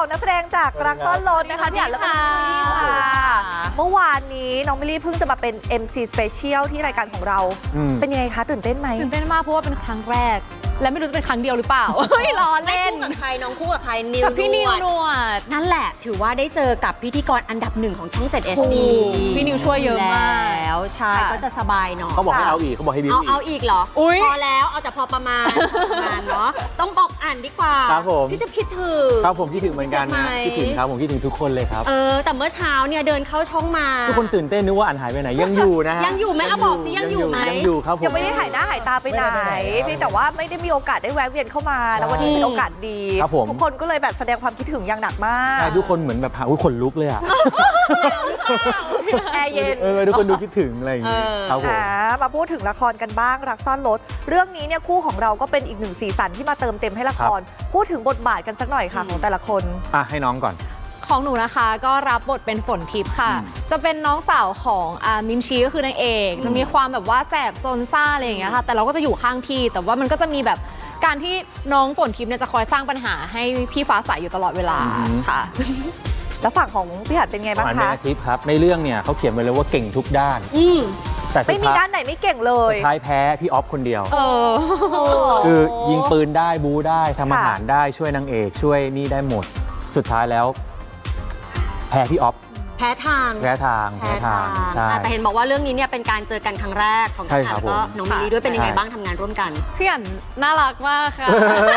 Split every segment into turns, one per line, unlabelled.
2นักแสดงจากรักซ่อนรถนะคะพี่อั๋นและคุณจูลี่ค่ะเมื่อวานนี้น้องมิลลี่เพิ่งจะมาเป็น MC Special ที่รายการของเราเป็นยังไงคะตื่นเต้นไหม
ตื่นเต้นมากเพราะว่าเป็นครั้งแรกและไม่รู้จะเป็นครั้งเดียวหรือเปล่าล้อเล่น
คู่กับใครน้องคู่กับใครนิว
กับพี่นิวนวด
นั่นแหละถือว่าได้เจอกับพิธีกรอันดับ1ของช่อง 7 HD
พี่นิวช่วยเยอะมาก
แล้วใช่ก็จะสบายหน่อย
เขาบอกให้เอาอีกเขาบอกให้บิวอีก
เอาอีกเหรอพอแล้วเอาแต่พอประมาณเนาะต้องบอกอ่านดีกว่า
ครับผม
พี่จะคิดถึง
ครับผมคิดถึงเหมือนกันนะคิดถึงครับผมคิดถึงทุกคนเลยครับ
แต่เมื่อเช้าเนี่ยเดินเข้าช่องมา
ทุกคนตื่นเต้นนึกว่าอันหายไปไหนยังอยู่นะฮะ
ยังอยู่ไหมเอาบอกสิยังอยู่ไหม
ยังอยู่ครับผม
ยังไม่ได้หายหน้าหายตาไปไหนเพียงแต่ว่าไม่ได้มีโอกาสได้แวะเวียนเข้ามาแล้ววันนี้เป็นโอกาสดีทุกคนก็เลยแบบแสดงความคิดถึงอย่างหนักมาก
ใช่ทุกคนเหมือนแบบขนลุกเลยอ่ะ
แอร์เย็น
ทุกคนดูคิดถึงอะไรอย่างงี้ครับผม
มาพูดถึงละครกันบ้างรักซ่อนรถเรื่องนี้เนี่ยคู่ของเราก็เป็นอีกหนึ่งสีสันที่มาเติมเต็มให้ละครพูดถึงบทบาทกันสักหน่อยค่ะของแต่ละคน
ให้น้องก่อน
ของหนูนะคะก็รับบทเป็นฝนทิพย์ค่ะจะเป็นน้องสาวของมินชีก็คือนางเอกจะมีความแบบว่าแสบซนซ่าอะไรอย่างเงี้ยค่ะแต่เราก็จะอยู่ข้างพี่แต่ว่ามันก็จะมีแบบการที่น้องฝนทิพย์เนี่ยจะคอยสร้างปัญหาให้พี่ฟ้าใสอยู่ตลอดเวลาค่ะ
แล้วฝั่งของพี่หัดเป็นไงบ้างคะ
ทิพย์ครับในเรื่องเนี่ยเขาเขียนไว้เลยว่าเก่งทุกด้าน
แต่ไม่มีด้านไหนไม่เก่งเลย
สุดท้ายแพ้พี่ออฟคนเดียวคือยิงปืนได้บู๊ได้ทำอาหารได้ช่วยนางเอกช่วยนี่ได้หมดสุดท้ายแล้วแพ้พี่ออฟ
แพ้ทาง
ใช่
แต่เห็นบอกว่าเรื่องนี้เนี่ยเป็นการเจอกันครั้งแรกของพี่อั๋นแล้วก็น้องมิลลี่ด้วยเป็นยังไงบ้างทำงานร่วมกัน
พี่อั๋นน่ารักมากค่ะ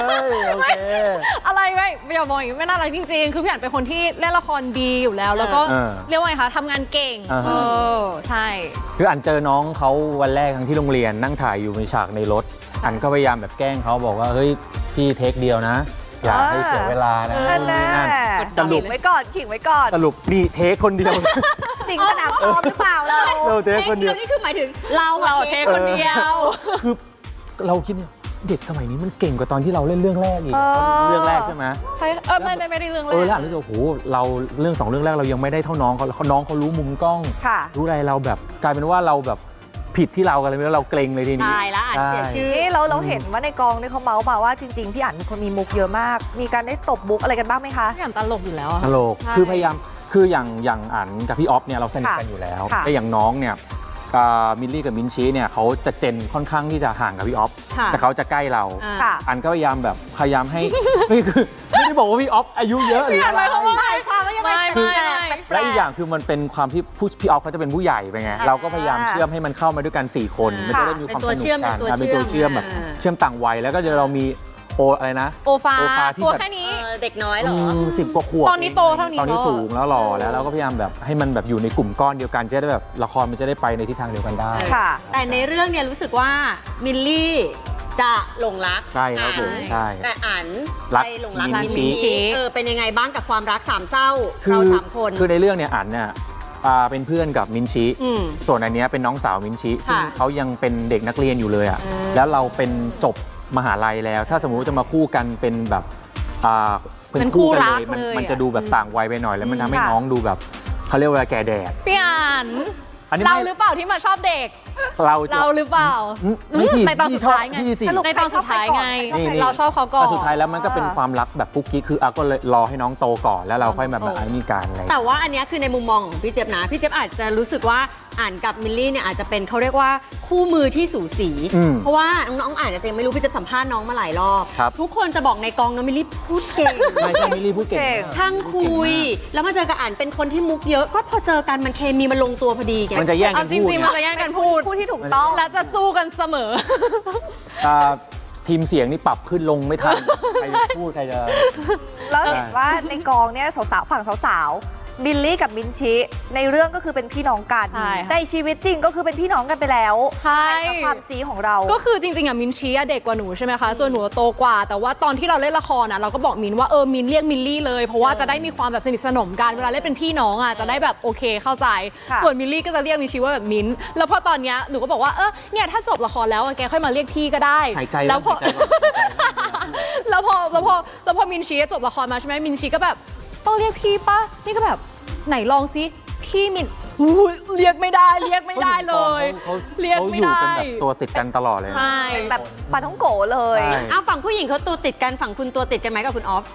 อะไรไม่อย่ามองอย่างนี้ไม่น่ารักจริงๆคือพี่อั๋นเป็นคนที่เล่นละครดีอยู่แล้วแล้วก็เรียกว่าไงคะทำงานเก่งใช่
คืออั๋นเจอน้องเขาวันแรกทั้งที่โรงเรียนนั่งถ่ายอยู่ในฉากในรถอั๋นก็พยายามแบบแกล้งเขาบอกว่าเฮ้ยพี่เทคเดียวนะอย่าให้เสียเวลานะ
สรุปไว้ก่อนขิงไว้ก่อน
สรุปนี่เทคคนเดียว
สิ่งสนามซ้อมหรือเปล่าเรา
เทคคนเดียว
นี่คือหมายถึงเรา
เทคคนเดียว
คือเราคิดเด็กสมัยนี้มันเก่งกว่าตอนที่เราเล่นเรื่องแรกอีกเรื่องแรกใช่ไหม
ใช่ไม่ได้เรื่องแรก
แล้วอันนี้โอ้โหเราเรื่อง2เรื่องแรกเรายังไม่ได้เท่าน้องเขาน้องเขารู้มุมกล้องรู้อะไรเราแบบกลายเป็นว่าเราแบบผิดที่เรากันเลยแล้วเราเกรงเลยทีนี้
ตายแล้วอ่านเสียชื่อ
นี่เราเห็นว่าในกองเนี่ยเขาเมาส์มาว่าจริงๆพี่อั๋นเป็นคนมีมุกเยอะมากมีการได้ตบมุกอะไรกันบ้างไหมคะ
พี่อั๋นตลกอยู่แล้ว
ตลกคือพยายามคืออย่างอั๋นกับพี่ออฟเนี่ยเราสนิทกันอยู่แล้วแต่อย่างน้องเนี่ยมิลลี่กับมินชีเนี่ยเขาจะเจนค่อนข้างที่จะห่างกับพี่ออฟแต่เขาจะใกล้เราอันก็พยายามให้ไม่ได้บอกว่าพี่ออฟอายุเยอะหรืออะไรและอีกอย่างคือมันเป็นความที่พี่ออฟเขาจะเป็นผู้ใหญ่ไปไงเราก็พยายามเชื่อมให้มันเข้ามาด้วยกัน4คนมันจะได้มีความสนุกกันเป็นตัวเชื่อมแบบเชื่อมต่างวัยแล้วก็จะเรามีอะไรนะ
โอฟาตัวแค่นี้
เด็กน้อยเหรอ
10 กว่าขวบ
ตอนนี้โตเท่านี้
ตอนนี้สูงแล้วหล่อแล้วเราก็พยายามแบบให้มันแบบอยู่ในกลุ่มก้อนเดียวกันจะได้แบบละครมันจะได้ไปในทิศทางเดียวกันได้
แต่ในเรื่องเนี่ยรู้สึกว่ามิลลี่จะหลงรัก
ใช่ครับผมใช่
แต่อั๋นไปหลงรักมินชีเป็นยังไงบ้างกับความรักสามเศร้าเรา3คน
คือในเรื่องเนี่ยอั๋นเนี่ยเป็นเพื่อนกับมินชิส่วนอันนี้เป็นน้องสาวมินชิซึ่งเขายังเป็นเด็กนักเรียนอยู่เลยอ่ะแล้วเราเป็นจบมหาลัยแล้วถ้าสมมุติจะมาคู่กันเป็นแบบ
เป็นคู่รัก
มันจะดูแบบต่างวัยไปหน่อยแล้วมันทำให้น้องดูแบบเขาเรียกว่าแก่แดด
พี่อั๋นเราหรือเปล่าที่มาชอบเด็กเราหรือเปล่าในตอนสุดท้ายไงในตอนสุดท้ายไงเราชอบเขาก่อน
สุดท้ายแล้วมันก็เป็นความรักแบบกุ๊กกิ๊กคือก็เลยรอให้น้องโตก่อนแล้วเราค่อยแบบอันนี้การอะไร
แต่ว่าอันนี้คือในมุมมองของพี่เจี๊ยบนะพี่เจี๊ยบอาจจะรู้สึกว่าอ่านกับมิลลี่เนี่ยอาจจะเป็นเขาเรียกว่าคู่มือที่สูสีเพราะว่าน้องอ่านจะยังไม่รู้พี่เจี๊ยบสัมภาษณ์น้องมาหลายรอบทุกคนจะบอกในกองน้องมิลลี่พูดเก่ง
ไม่ใช่มิลลี่พูดเก่ง
ช่างคุยแล้วมาเจอกับอ่านเป็นคนที่มุกเยอะก็พอเจอกันมันเคมีมันลงตัวพอดีไง
มันจะแย่งกันพูด
จริงๆมันจะแย่งกันพูด
ที่ถูกต้อง
และจะสู้กันเสมอ
ทีมเสียงนี่ปรับขึ้นลงไม่ทันใครจะพูดใครจะ
แล้วเห็นว่าในกองเนี่ยสาวๆฝั่งสาวบิลลี่กับมินชิในเรื่องก็คือเป็นพี่น้องกันในชีวิตจริงก็คือเป็นพี่น้องกันไปแล้ว
ใช่
ความซีของเรา
ก็คือจริงๆอ่ะมินชิเด็กกว่าหนูใช่ไหมคะส่วนหนูโตกว่าแต่ว่าตอนที่เราเล่นละครอ่ะเราก็บอกมินว่ามินเรียกมิลลี่เลยเพราะว่าจะได้มีความแบบสนิทสนมกันเวลาเล่นเป็นพี่น้องอ่ะจะได้แบบโอเคเข้าใจส่วนมิลลี่ก็จะเรียกมินชิว่าแบบมินแล้วพอตอนเนี้ยหนูก็บอกว่าเนี่ยถ้าจบละครแล้วแกค่อยมาเรียกพี่ก็ได้
แล้วพ
อมินชิจบละครมาใช่ไหมมินชิก็แบบต้องเรียกพี่ปะนี่ก็แบบไหนลองซิพี่มินเรียกไม่ได้เลยเรียกไม่ได้
เขาอยู่กันแบบตัวติดกันตลอดเลย
ใช่
แบบปาท้องโกเลย
ฝั่งผู้หญิงเขาตัวติดกันฝั่งคุณตัวติดกันไหมกับคุณออฟ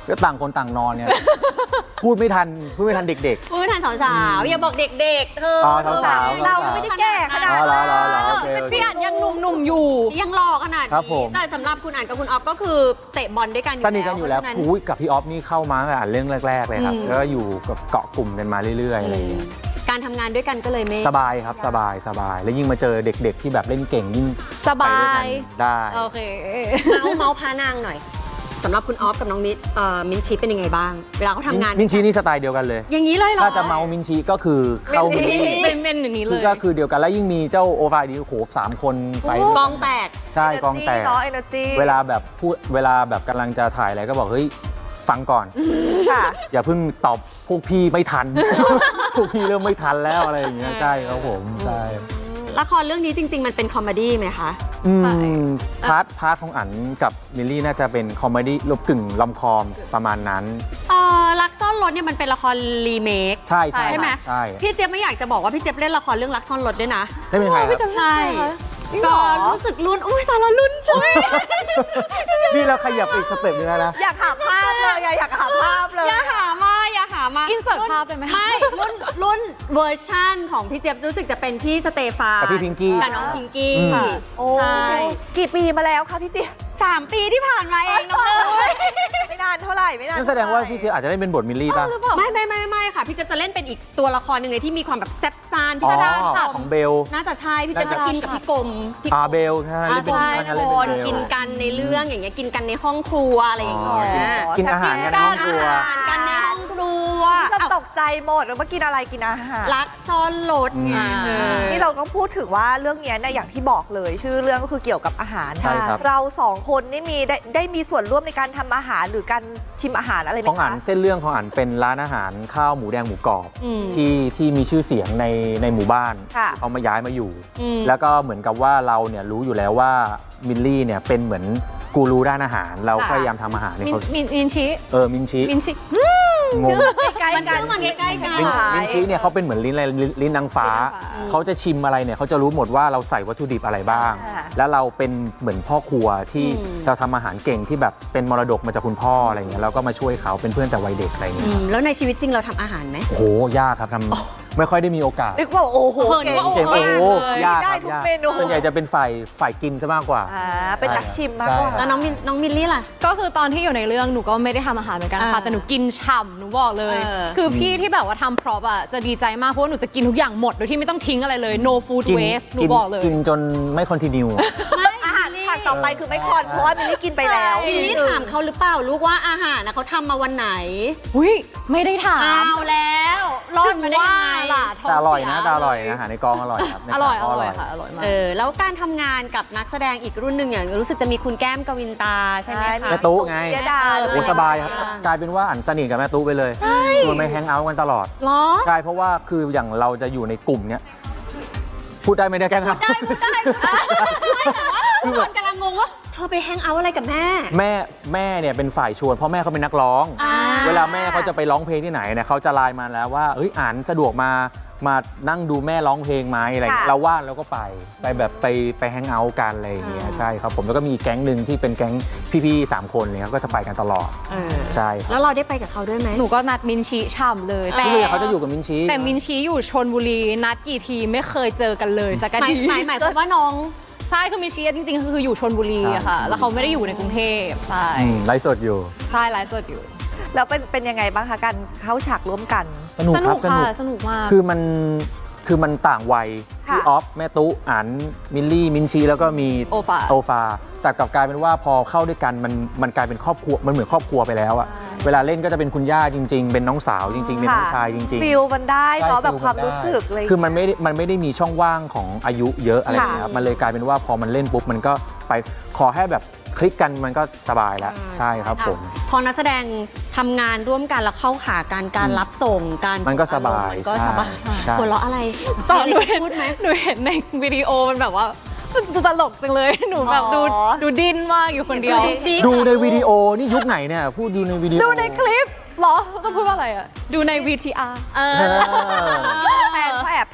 ก็ต่างคนต่างนอนเนี่ย พูดไม่ทันเด็ก
พูดไม่ทันสาวๆอย่าบอกเด็กๆเธอ
อ๋อ
เธอ
สาวๆ
เราไม่ได้แก่ขนาด
อ๋อเหรอ
นั้น
โอเค
พี่อันยังหนุ่มๆอยู่
ยังหล่อขนาด
ครับผ
นี้
ม
แต่สำหรับคุณอ่านกับคุณออฟก็คือเตะบอลด้วยกันอยู่
สนิทกันอยู่แล้ว
เพราะฉะนั้น
อุ้ยกับพี่ออฟนี่เข้ามาตั้งแต่อ่านเรื่องแรกๆเลยครับแล้วก็อยู่กับเกาะกลุ่มกันมาเรื่อยๆอะไรอย่างเงี้ย
การทำงานด้วยกันก็เลยไม่
สบายครับสบายแล้วยิ่งมาเจอเด็กๆที่แบบเล่นเก่งยิ่ง
สบา
ไปด้วยกัน
ย
ได้
โอเค
เมาส์พานางหน่อยสำหรับคุณออฟกับน้องมิ้นชีเป็นยังไงบ้าง เวลาเขาทำงาน
มินชีนี่สไตล์เดียวกันเลย
อย่างนี้เลยเหรอ
ถ้าจะเมามินชีก็คือเข้ามินชี
เป็นอย่างนี้เล
คือย ก็คือเดียวกันแล้วยิ่งมีเจ้าโอฟาดีโอ้โห3 คนไป
กองแตก
ใช่กองแตก
เนาะ energy
เวลาแบบพูดเวลาแบบกำลังจะถ่ายอะไรก็บอกเฮ้ยฟังก่อน
ค่ะ
อย่าเพิ่งตอบพวกพี่ไม่ทัน พวกพี่เริ่มไม่ทันแล้วอะไรอย่างเงี้ยใช่ครับผมใช่
ละครเรื่องนี้จริง ๆ มันเป็นคอมเมดี้ไหมคะ
ใช่
พาร์ทของอั๋นกับมิลลี่น่าจะเป็นคอมเมดี้ลบกึ่งลอมคอมประมาณนั้น
รักซ่อนรถเนี่ยมันเป็นละครรีเมค
ใช่
ใช่ไหม
ใช่
พี่เจี๊ยบไม่อยากจะบอกว่าพี่เจี๊ยบเล่นละครเรื่องรักซ่อนรถด้วยนะ
ได้เป็นใครครับ
ใช่
จริงเหร
ก็
อ
รู้สึกลุ้นอุ้ยตายแล้วลุ้นใช่ไหม
นี่เราขยับไปอีกสเต็ปนึงแล้วนะ
อยากหาภาพเลยอยากหาภาพเลย
อย่าหามา
อินเสิร์ตภาพได้ไหม
ไม่รุ่นเวอร์ชั่นของพี่เจี๊ยบรู้สึกจะเป็นพี่สเตฟาน
กับพี่พิงกี้
กับน้องพิงกี้
ค่ะ
โอ้
ใช่
กี่ปีมาแล้วคะพี่เจี๊ยบ
3 ปีที่ผ่านมาเองน้องเอ้ย
ไม่นานเท่าไหร่ไม่นาน
นั่นแสดงว่าพี่เจอาจจะได้เป็นบทมิลลี่ป่ะ
ไม่ค่ะ พี่เจี๊ยบจะเล่นเป็นอีกตัวละครหนึ่งเลยที่มีความแบบแซ่บซ่าน
อ๋
ที่
อ
น่าช
ของ
ม
เบล
น่าจะใช่พี่เจี๊ยบจะกินกับพี่กรมพี่
เบลใช่ไหม
ใช่
เล่น
ทุ
เป็
ก
น
คน
เบล
กินกันในเรื่องอย่างเงี้ยกินกันในห้องครัวอะไรอย่างเงี้ย
กินอาหารกันในห้องครัว
อาหารกันในห้องครัว
จะตกใจหมดว่ากินอะไรกินอาหาร
รักซ่อนรถไง
นี่เราต้องพูดถึงว่าเรื่องนี้เนี่ยอย่างที่บอกเลยชื่อเรื่องก็คือเกี่ยวกับอาหาร
ใช่ครับ
เรา2 คนนี่ได้มีส่วนร่วมในการทำอาหารหรือการชิมอาหารอะไรไหม
ของอั๋น
คะ
เส้นเรื่องของอั๋นเป็นร้านอาหารข้าวหมูแดงหมูกรอบที่มีชื่อเสียงในหมู่บ้าน
ค่ะ
เขามาย้ายมาอยู่ แล้วก็เหมือนกับว่าเราเนี่ยรู้อยู่แล้วว่ามิลลี่เนี่ยเป็นเหมือนกูรูด้านอาหาร เราพยายามทำอาหารให้เขา
มินชิ
มินชิ งง
ใกล้
มัน
กั
ชื่
น
อมันใกล้ๆกัน
มินชิเนี่ยเขาเป็นเหมือนลิ้นนางฟ้า เขาจะชิมอะไรเนี่ยเขาจะรู้หมดว่าเราใส่วัตถุดิบอะไรบ้าง แล้วเราเป็นเหมือนพ่อครัวที่เราทำอาหารเก่งที่แบบเป็นมรดกมาจากคุณพ่ออะไรอย่างเงี้ยเราก็มาช่วยเขาเป็นเพื่อนแต่วัยเด็กอะไรอย่างเงี้ย
แล้วในชีวิตจริงเราทำอาหารไหม
โอ้โหยากครับทำไม่ค่อยได้มีโอกาส
นึกว่าโอ้โหเก่ง
เก่งโอ้โหยาก
ได้
ครับ
ทุก
ยาก
เมนู
ส่วนใหญ่จะเป็นฝ่ายกินซะมากกว่า
เป็นนักชิมมากกว่า
แล้วน้องมิลลี่ล่ะ
ก็คือตอนที่อยู่ในเรื่องหนูก็ไม่ได้ทำอาหารเหมือนกันค่ะแต่หนูกินฉ่ำหนูบอกเลย คือพี่ที่แบบว่าทำพร็อพอ่ะจะดีใจมากเพราะว่าหนูจะกินทุกอย่างหมดโดยที่ไม่ต้องทิ้งอะไรเลย no food waste หนูบอกเลย
กินจนไม่คอนติเนีย
อาหารฉากต่อไปคือไม่คอนเพราะว่ามิลลี่กินไปแล้ว
มิลลี่ถามเขาหรือเปล่าลูกว่าอาหารนะเขาทำมาวันไหน
อุ้ยไม่ได้ถาม
เอาแล้วรอดมาได้ยังไง
ล่ะท้ง
แต่อร่อย
เสี
นะแต่อร่อยนะอาหารในกองอร่อยครับใน
อก ร่อย
ง
อร่อยค่ะอร่อยมาก
แล้วการทำงานกับนักแสดงอีกรุ่นหนึ่งอย่างรู้สึกจะมีคุณแก้มกวินตาใช่ไหมคะ
แม่ตุ๊ไง
เยดา
โอ้สบายครับกลายเป็นว่าอันสนิทกับแม่ตุ๊ไปเลยชวนไปแฮงเอาท์กันตลอด
เหรอ
ใช่เพราะว่าคืออย่างเราจะอยู่ในกลุ่มเนี้ยพูดได้ไม่ได้แกล้งครับ
ได้ทุกคนกำลังงงว่าเธอไปแฮงเอาท์อะไรกับแม่
แม่เนี่ยเป็นฝ่ายชวนเพราะแม่เขาเป็นนักร้อง เวลาแม่เขาจะไปร้องเพลงที่ไหนเนี่ยเขาจะไลน์มาแล้วว่าเอ้ยอ่านสะดวกมานั่งดูแม่ร้องเพลงไหมอะไรอย่างเงี้ยเราว่างเราก็ไปแบบไปแฮงเอาท์กันอะไรอย่างเงี้ยใช่ครับผมแล้วก็มีแก๊งหนึ่งที่เป็นแก๊งพี่ๆ3 คนเนี่ยเขาก็จะไปกันตลอดใช่ครับ
แล้วเราได้ไปกับเขาด้วยไหม
หนูก็นัดมินชิฉ่ำเลยแต่
ที่เขาจะอยู่กับมินชี
แต่มินชีอยู่ชนบุรีนัดกี่ทีไม่เคยเจอกันเลยสักที
หมายความว่าน้อง
ใช่คือมินชีจริงๆคืออยู่ชนบุรีอะค่ะ แล้วเขาไม่ได้อยู่ในกรุงเทพใช่
ไลฟ์สดอยู่
ใช่ไลฟ์สดอยู่
แล้วเป็นยังไงบ้างคะการเข้าฉากร่วมกัน
สนุก
ส
ค
นุ
รั
ก
บสนุก
ค่ะสนุกมาก
คือมันต่างวัย
ค่ะ
พี่ออฟแม่ตุ๊อันมิลลี่มินชีแล้วก็มี
โอฟา
แต่กลับกลายเป็นว่าพอเข้าด้วยกันมันกลายเป็นครอบครัวมันเหมือนครอบครัวไปแล้วอะเวลาเล่นก็จะเป็นคุณย่าจริง ๆ เป็นน้องสาวจริง ๆ เป็นน้องชายจริง
ฟิลมันได้เนาะ
ใช่
แบบความ
ฟิลมันได้
รู้สึกเลย
คือมันไม่ได้มีช่องว่างของอายุเยอะอะไรอย่างเงี้ยครับมันเลยกลายเป็นว่าพอมันเล่นปุ๊บมันก็ไปขอให้แบบคลิกกันมันก็สบายแล้วใช่ครับผม
พอนักแสดงทำงานร่วมกันแล้วเข้าขาการรับส่งการ
มันก็สบาย
มันก็สบาย
ใช่
หัวเราะอะไร
ตอนหนู
มีะไร
เห็น
จะพูดไหม
หนูเห็นในวิดีโอมันแบบว่ามันตลกจังเลยหนูแบบ
อ๋อ
ดูดิ้นมากอยู่คนเดียว
ดูในวิดีโอนี่ยุคไหนเนี่ยพูดดูในวิดีโอ
ดูในคลิปเหรอต้องพูดว่าอะไรอะดูใน VTR
แฟนเขาแอบ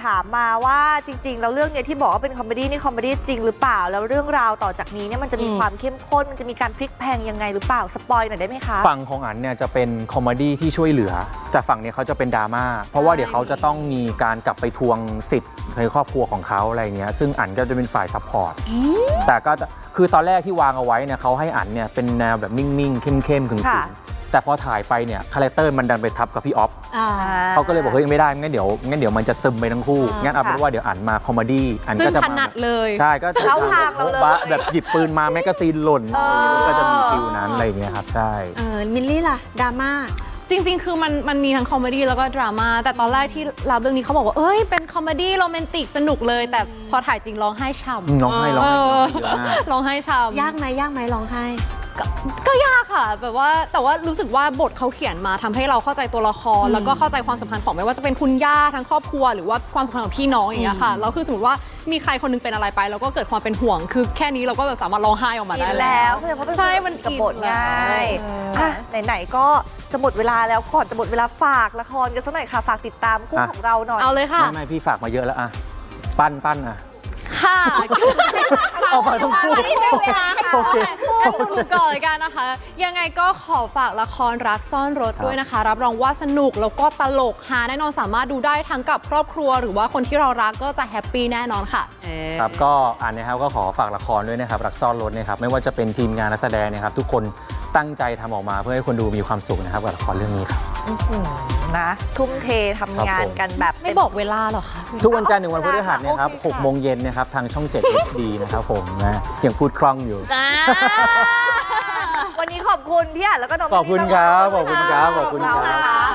ถามมาว่าจริงๆแล้วเรื่องเนี้ยที่บอกว่าเป็นคอมเมดี้นี่คอมเมดี้จริงหรือเปล่าแล้วเรื่องราวต่อจากนี้เนี่ยมันจะมีความเข้มข้นมันจะมีการพลิกแพลงยังไงหรือเปล่าสปอยหน่อยได้ไหมคะ
ฝั่งของอันเนี่ยจะเป็นคอมเมดี้ที่ช่วยเหลือแต่ฝั่งเนี้ยเขาจะเป็นดราม่าเพราะว่าเดี๋ยวเขาจะต้องมีการกลับไปทวงสิทธิ์ในครอบครัวของเขาอะไรเงี้ยซึ่งอันก็จะเป็นฝ่ายซัพพอร์ตแต่ก็คือตอนแรกที่วางเอาไว้เนี่ยเขาให้อันเนี่ยเป็นแนวแบบนิ่งๆเข้มๆขึงๆแต่พอถ่ายไปเนี่ยคาแรคเตอร์มันดันไปทับกับพี่ออฟเขาก็เลยบอกเฮ้ยไม่ได้งั้นเดี๋ยวมันจะซึมไปทั้งคู่งั้นเอาเป็นว่าเดี๋ยวอันมาคอมเมดี้อันก็จะ
ถนัดเลย
ใช่ก็จะ
เข้าทางเราเลย
แบบหยิบปืนมาแมกกาซีนหล่นก็จะมีฟิลนั้นอะไรอย่างเงี้ยครับใช่
มิลลี่ล่ะดราม่า
จริงๆคือมันมีทั้งคอมเมดี้แล้วก็ดราม่าแต่ตอนแรกที่รับเรื่องนี้เขาบอกว่าเอ้ยเป็นคอมเมดี้โรแมนติกสนุกเลยแต่พอถ่ายจริงร้องไห้ช่ำ
ร้องไห้เยอะมาก
ร้องไห้ช่ำ
ยากไหมร้องไห้
ก็ยากค่ะแบบว่าแต่ว่ารู้สึกว่าบทเขาเขียนมาทำให้เราเข้าใจตัวละครแล้วก็เข้าใจความสัมพันธ์ของไม่ว่าจะเป็นคุณย่าทั้งครอบครัวหรือว่าความสัมพันธ์ของพี่น้องอย่างเงี้ยค่ะแล้วคือสมมติว่ามีใครคนนึงเป็นอะไรไปแล้วก็เกิดความเป็นห่วงคือแค่นี้เราก็แบบสามารถร้องไห้ออกมาได้
แล้วใช่
มัน
กับบทง่ายไหนๆก็จะหมดเวลาแล้วก่อนจะหมดเวลาฝากละครกันสักหน่อยค่ะฝากติดตามคู่ของเราหน่อย
เอาเลยค่ะ
ไม่พี่ฝากมาเยอะแล้วอะปั้นอะ
ค่ะ
เอาไปต้องพูด
ไม่เป็นเวลาให้พูดก่อนกันนะคะยังไงก็ขอฝากละครรักซ่อนรถด้วยนะคะรับรองว่าสนุกแล้วก็ตลกฮาแน่นอนสามารถดูได้ทั้งกับครอบครัวหรือว่าคนที่เรารักก็จะแฮปปี้แน่นอนค่ะ
ครับก็อันนะครับก็ขอฝากละครด้วยนะครับรักซ่อนรถนะครับไม่ว่าจะเป็นทีมงานนักแสดงนะครับทุกคนตั้งใจทำออกมาเพื่อให้คนดูมีความสุขนะครับกับละครเรื่องนี้ครับ
นะทุ่มเททำงานกันแบบ
ไม่บอกเวลาหรอคะ
ทุกวันจันทร์ถึงวันพฤหัสนะครับ6 โมงเย็นนะครับทางช่อง 7 HD นะครับผมนะยังพูดคล่องอยู่
วันนี้ขอบคุณพี่อ่ะแล้วก็น้อง
ขอบคุณครับขอบคุณครับขอบคุณครับ